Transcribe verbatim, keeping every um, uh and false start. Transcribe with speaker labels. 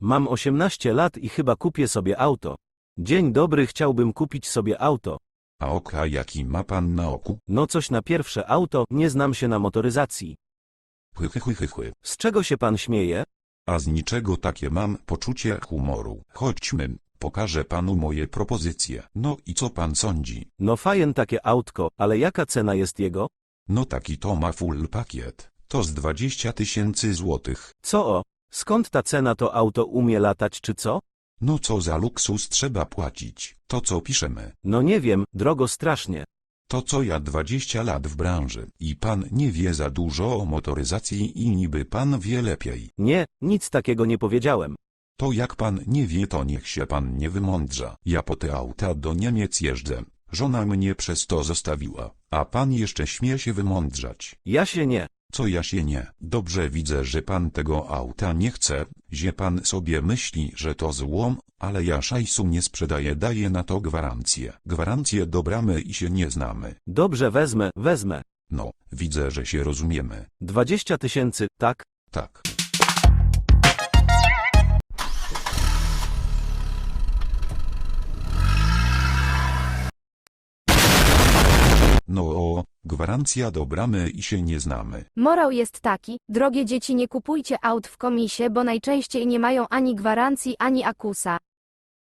Speaker 1: Mam osiemnaście lat i chyba kupię sobie auto. Dzień dobry, chciałbym kupić sobie auto.
Speaker 2: A oka jaki ma pan na oku?
Speaker 1: No coś na pierwsze auto, nie znam się na motoryzacji.
Speaker 2: Chy, chy, chy, chy, chy.
Speaker 1: Z czego się pan śmieje?
Speaker 2: A z niczego takie mam poczucie humoru. Chodźmy, pokażę panu moje propozycje. No i co pan sądzi?
Speaker 1: No fajen takie autko, ale jaka cena jest jego?
Speaker 2: No taki to ma full pakiet. To z dwadzieścia tysięcy złotych.
Speaker 1: Co o? Skąd ta cena, to auto umie latać czy co?
Speaker 2: No co za luksus trzeba płacić? To co piszemy?
Speaker 1: No nie wiem, drogo strasznie.
Speaker 2: To co ja dwadzieścia lat w branży i pan nie wie za dużo o motoryzacji i niby pan wie lepiej.
Speaker 1: Nie, nic takiego nie powiedziałem.
Speaker 2: To jak pan nie wie, to niech się pan nie wymądrza. Ja po te auta do Niemiec jeżdżę. Żona mnie przez to zostawiła, a pan jeszcze śmie się wymądrzać.
Speaker 1: Ja się nie.
Speaker 2: Co ja się nie? Dobrze, widzę, że pan tego auta nie chce, że pan sobie myśli, że to złom, ale ja szajsu nie sprzedaję, daję na to gwarancję. Gwarancję do bramy i się nie znamy.
Speaker 1: Dobrze, wezmę, wezmę.
Speaker 2: No, widzę, że się rozumiemy.
Speaker 1: Dwadzieścia tysięcy, tak?
Speaker 2: Tak. No o, gwarancja do bramy i się nie znamy.
Speaker 3: Morał jest taki, drogie dzieci, nie kupujcie aut w komisie, bo najczęściej nie mają ani gwarancji, ani akusa.